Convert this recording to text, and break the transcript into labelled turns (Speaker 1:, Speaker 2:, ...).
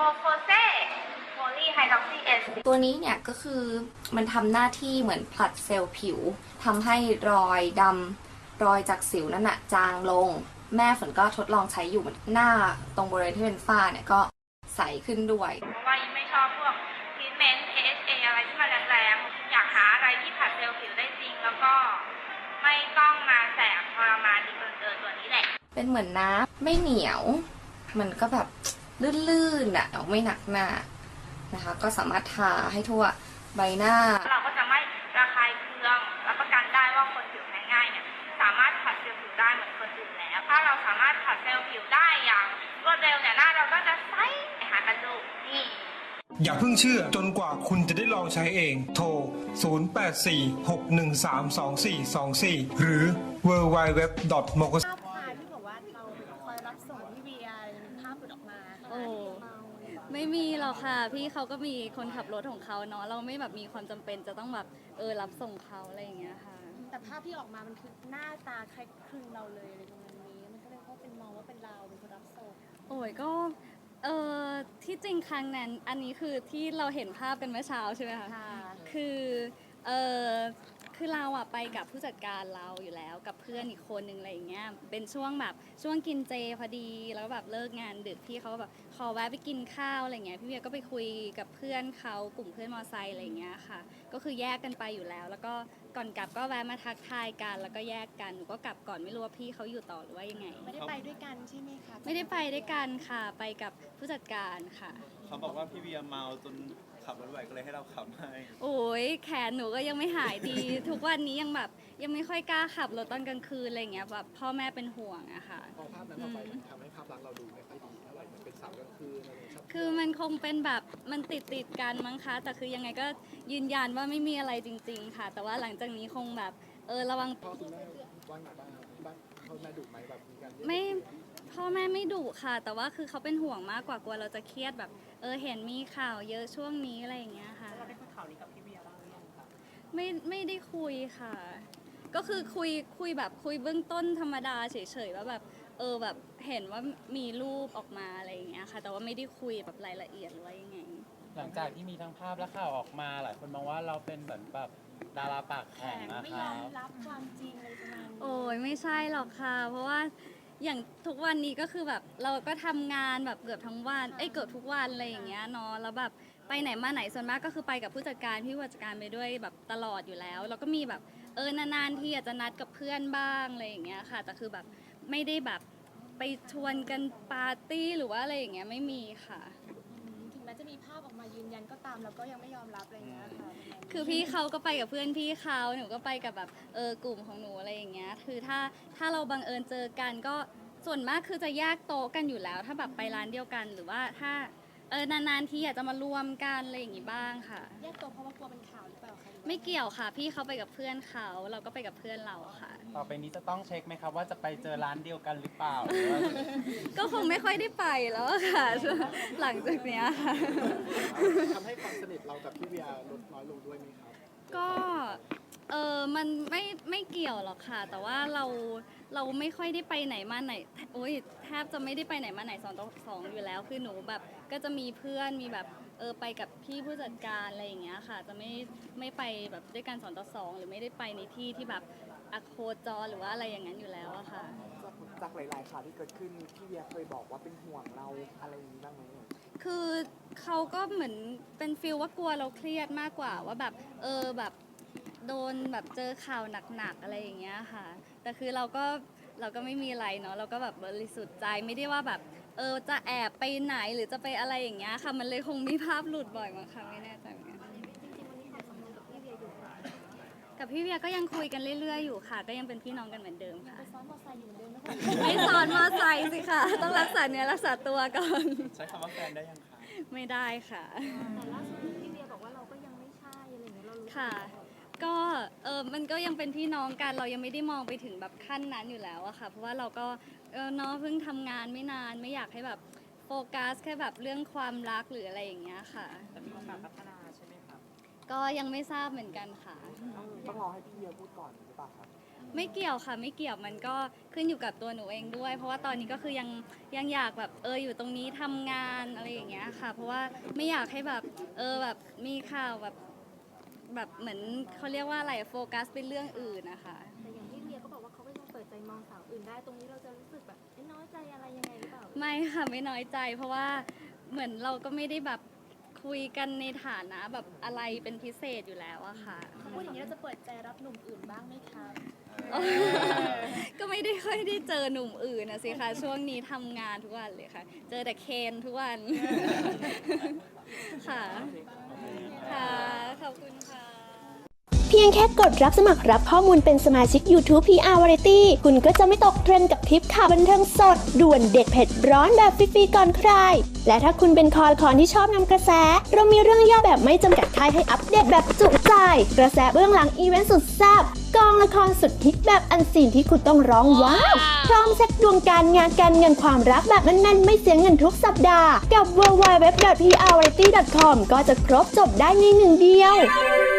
Speaker 1: โฟเซโพลีไฮดรอกซีเอส
Speaker 2: ตัวนี้เนี่ยก็คือมันทำหน้าที่เหมือนผลัดเซลล์ผิวทำให้รอยดำรอยจากสิวนั่นน่ะจางลงแม่ฝนก็ทดลองใช้อยู่หน้าตรงบริเวณที่เป็นฝ้าเนี่ยก็ใสขึ้นด้วย
Speaker 1: เพราะว่ายิ่งไม่ชอบพวกทรีทเมนต์ AHA อะไรที่มันแรงๆอยากหาอะไรที่ผัดเซลล์ผิวได้จริงแล้วก็ไม่ต้องมาแสบทรมานดีกเกินตัวนี้แหละ
Speaker 2: เป็นเหมือนน้ำไม่เหนียวมันก็แบบลื่นๆอ่ะไม่หนักหน้านะคะก็สามารถทาให้ทั่วใบหน้า
Speaker 1: เราก็จะไม่ระคายเคืองรับประกันได้ว่าคนผิวแพ้ง่ายเนี่ยสามารถผัดเซลล์ผิวได้เหมือนคนอื่นแล้วถ้าเราสามารถผัดเซลล์ผิวได้อย่างรวดเร็วเนี่ยหน้าเราก็จะใสหากันดูนี่
Speaker 3: อย่าเพิ่งเชื่อจนกว่าคุณจะได้ลองใช้เองโทร 0846132424 หรือ www.mokos
Speaker 4: ภาพถ่ายที่บอกว่าเราคอยรับส่งพี่เวียมีภาพหลุดออกมา
Speaker 5: โอ้ไม่มีหรอกค่ะพี่เขาก็มีคนขับรถของเขาเนาะเราไม่แบบมีความจำเป็นจะต้องแบบรับส่งเขาอะไรอย่างเงี้ยค่ะ
Speaker 4: แต่ภาพที่ออกมามันคือหน้าตาคล้ายคลึงเราเลยอะไรประมาณนี้มันก็เลยว่าเป็นมองว่าเป็นเราเป็นคนรับส่ง
Speaker 5: โอ้ยก็ที่จริงครั้งนั้นอันนี้คือที่เราเห็นภาพกันเมื่อเช้าใช่ไหมคะคือเออคือเราอะไปกับผู้จัดการเราอยู่แล้วกับเพื่อนอีกคนนึงอะไรอย่างเงี้ยเป็นช่วงแบบช่วงกินเจพอดีแล้วแบบเลิกงานดึกพี่เขาแบบขอแวะไปกินข้าวอะไรเงี้ยพี่เวียก็ไปคุยกับเพื่อนเขากลุ่มเพื่อนมอไซค์อะไรเงี้ยค่ะก็คือแยกกันไปอยู่แล้วแล้วก็ก่อนกลับก็แวะมาทักทายกันแล้วก็แยกกันหนูก็กลับก่อนไม่รู้ว่าพี่เขาอยู่ต่อหรือว่ายังไง
Speaker 4: ไม่ได้ไปด้วยกันใช่ไหมคะ
Speaker 5: ไม่ได้ไปด้วยกันค่ะไปกับผู้จัดการค่ะ
Speaker 6: เขาบอกว่าพี่เวียเมาจนขับรถไหวก็เลยให้เราขับให้
Speaker 5: โอ้ยแขนหนูก็ยังไม่หายดี ทุกวันนี้ยังแบบยังไม่ค่อยกล้าขับรถตอนกลางคืนอะไรเงี้ยแบบพ่อแม่เป็นห่วงอะค่ะ
Speaker 7: พอภาพนั้นออกไปมันทำให้ภาพลักษณ์เราดูไม่ค่อยดีเท่าไหร่มันเป็นสาวกลางคืนอะไรชอบ
Speaker 5: คือมันคงเป็นแบบมันติดกันมั้งคะแต่คือยังไงก็ยืนยันว่าไม่มีอะไรจริงๆค่ะแต่ว่าหลังจากนี้คงแบบระวัง
Speaker 7: พ่อคุณแม่ว่าไงบ้างบ้านพ่อแม่ดุไหมแบบมีการ
Speaker 5: ไม่พ่อแม่ไม่ดุค่ะแต่ว่าคือเขาเป็นห่วงมากกว่ากลัวเราจะเครียดแบบเห็นมีข่าวเยอะช่วงนี้อะไรอย่างเงี้ยค่ะ
Speaker 4: เราได้คุยข่าวนี้กับพี่เวียบ้างหรือยังคะ
Speaker 5: ไม่ได้คุยค่ะก็คือคุยแบบคุยเบื้องต้นธรรมดาเฉยๆว่าแบบแบบเห็นว่ามีรูปออกมาอะไรอย่างเงี้ยค่ะแต่ว่าไม่ได้คุยแบบรายละเอียดหรือว่ายังไง
Speaker 8: หลังจากที่มีทั้งภาพและข่าวออกมาหลายคนมองว่าเราเป็นเหมือนแบบดาราปากแข็งนะ
Speaker 4: ไม่
Speaker 8: ค
Speaker 4: ย
Speaker 8: รั
Speaker 4: อมรับความจริงอะไรประมาณนี้
Speaker 5: โอ้ยไม่ใช่หรอกค่ะเพราะว่าอย่างทุกวันนี้ก็คือแบบเราก็ทำงานแบบเกือบทั้งวันเกือบทุกวันอะไรอย่างเงี้ยเนาะแล้วแบบไปไหนมาไหนส่วนมากก็คือไปกับผู้จัดการพี่ผู้จัดการไปด้วยแบบตลอดอยู่แล้วแล้วก็มีแบบนานๆที่อาจจะนัดกับเพื่อนบ้างอะไรอย่างเงี้ยค่ะแต่คือแบบไม่ได้แบบไปชวนกันปาร์ตี้หรือว่าอะไรอย่างเงี้ยไม่มีค่ะ
Speaker 4: ถึงแม้จะมีภาพออกมายืนยันก็ตามเราก็ยังไม่ยอมรับอะไรเงี้ยค่ะ
Speaker 5: คือพี่เขาก็ไปกับเพื่อนพี่เขาหนูก็ไปกับแบบกลุ่มของหนูอะไรอย่างเงี้ยคือถ้าเราบังเอิญเจอกันก็ส่วนมากคือจะแยกโต๊ะกันอยู่แล้วถ้าแบบไปร้านเดียวกันหรือว่าถ้านานๆทีอยากจะมารวมกันอะไรอย่างงี้บ้างค่ะ
Speaker 4: แยกโต๊ะเพราะว่ากลัวเป็นข่าวหรือเปล่าคะ
Speaker 5: ไม่เกี่ยวค่ะพี่เขาไปกับเพื่อนเขาเราก็ไปกับเพื่อนเราค่ะ
Speaker 8: ต่อไปนี้จะต้องเช็คไหมครับว่าจะไปเจอร้านเดียวกันหรือเปล่า
Speaker 5: ก็คงไม่ค่อยได้ไปแล้วค่ะหลังจากเนี้ยค่ะ
Speaker 7: ทำให้ความสนิทเรากับพี่เวียลดน้อยลงด้วยไหมครับ
Speaker 5: ก็มันไม่เกี่ยวหรอกค่ะแต่ว่าเราไม่ค่อยได้ไปไหนมาไหนโอ้ยแทบจะไม่ได้ไปไหนมาไหน2 ต่อ 2อยู่แล้วคือหนูแบบก็จะมีเพื่อนมีแบบไปกับพี่ผู้จัดการอะไรอย่างเงี้ยค่ะจะไม่ไปแบบด้วยกัน2 ต่อ 2หรือไม่ได้ไปในที่ที่แบบโคจรหรือว่าอะไรอย่างนั้นอยู่แล้วอะค่ะ
Speaker 7: จากหลายๆข่าวที่เกิดขึ้นพี่เวียเคยบอกว่าเป็นห่วงเราอะไรอย่างนี้บ้างไหม
Speaker 5: คือเขาก็เหมือนเป็นฟีลว่ากลัวเราเครียดมากกว่าว่าแบบแบบโดนแบบเจอข่าวหนักๆอะไรอย่างเงี้ยค่ะแต่คือเราก็ไม่มีอะไรเนาะเราก็แบบบริสุทธิ์ใจไม่ได้ว่าแบบจะแอบไปไหนหรือจะไปอะไรอย่างเงี้ยค่ะมันเลยคงมีภาพหลุดบ่อยมั้งค่ะไม่แน่ใจเหมือนกันกับพี่เวียก็ยังคุยกันเรื่อยๆอยู่ค่ะก็ยังเป็นพี่น้องกันเหมือนเดิมค่ะ
Speaker 4: ซ้อนมอไซค์อยู่เหมือนเดิมไหม
Speaker 5: ไม่ซ้อนมอไซค์สิค่ะต้องรักษาเนื้อรักษาตัวก่อน
Speaker 6: ใช้คำว่าแฟนได้ยังคะ
Speaker 5: ไม่ได้ค่ะ
Speaker 4: แต่ล่าสุดพี่เวียบอกว่าเราก็ยังไม่ใช่อะไรอย่างเงี้ยเรารู้
Speaker 5: ค่ะก็มันก็ยังเป็นพี่น้องกันเรายังไม่ได้มองไปถึงแบบขั้นนั้นอยู่แล้วอะค่ะเพราะว่าเราก็เนาะเพิ่งทำงานไม่นานไม่อยากให้แบบโฟกัสแค่แบบเรื่องความรักหรืออะไรอย่างเงี้ยค่ะ
Speaker 7: แต่มีโอกาสพัฒนาใช่ไหมครับ
Speaker 5: ก็ยังไม่ทราบเหมือนกันค่ะ
Speaker 7: ต้องรอให้พี่เวียพูดก่อนหรือเปล่าครับ
Speaker 5: ไม่เกี่ยวค่ะไม่เกี่ยวมันก็ขึ้นอยู่กับตัวหนูเองด้วยเพราะว่าตอนนี้ก็คือยังอยากแบบอยู่ตรงนี้ทำงานอะไรอย่างเงี้ยค่ะ เพราะว่าไม่อยากให้แบบแบบมีข่าวแบบเหมือนเขาเรียกว่าอะไรโฟกัสเป็นเรื่องอื่นนะคะ
Speaker 4: แต่อย่างที่เวียก็บอกว่าเขาก็ยังเปิดใจมองสาวอื่นได้ตรงนี้เราจะรู้สึกแบบน้อยใจอะไรยังไงหรือเปล่า
Speaker 5: ไม่ค่ะไม่น้อยใจ เพราะว่าเหมือนเราก็ไม่ได้แบบคุยกันในฐานะแบบอะไรเป็นพิเศษอยู่แล้วอะค่ะ
Speaker 4: พูดอย่างนี้เราจะเปิดใจรับหนุ่มอื่นบ้างไหมคะ
Speaker 5: ก็ไม่ได้ค่อยได้เจอหนุ่มอื่นนะสิคะช่วงนี้ทำงานทุกวันเลยค่ะ เจอแต่เคนทุกวัน ค่ะค่ะขอบคุณค่ะ
Speaker 9: เพียงแค่กดรับสมัครรับข้อมูลเป็นสมาชิก YouTube PR Variety คุณก็จะไม่ตกเทรนด์กับคลิปข่าวบันเทิงสด ด่วนเด็ดเผ็ดร้อนแบบฟรีๆก่อนใคร และถ้าคุณเป็นคอที่ชอบนำกระแส เรามีเรื่องย่อแบบไม่จำกัดท้ายให้อัปเดตแบบจุใจ กระแสเบื้องหลังอีเวนต์สุดแซ่บกองละครสุดฮิตแบบอันซีนที่คุณต้องร้องว้าวพร้อมเช็คดวงการงานการเงินความรักแบบแน่นๆไม่เสียเงินทุกสัปดาห์กับ www.prvariety.com ก็จะครบจบได้ในหนึ่งเดียว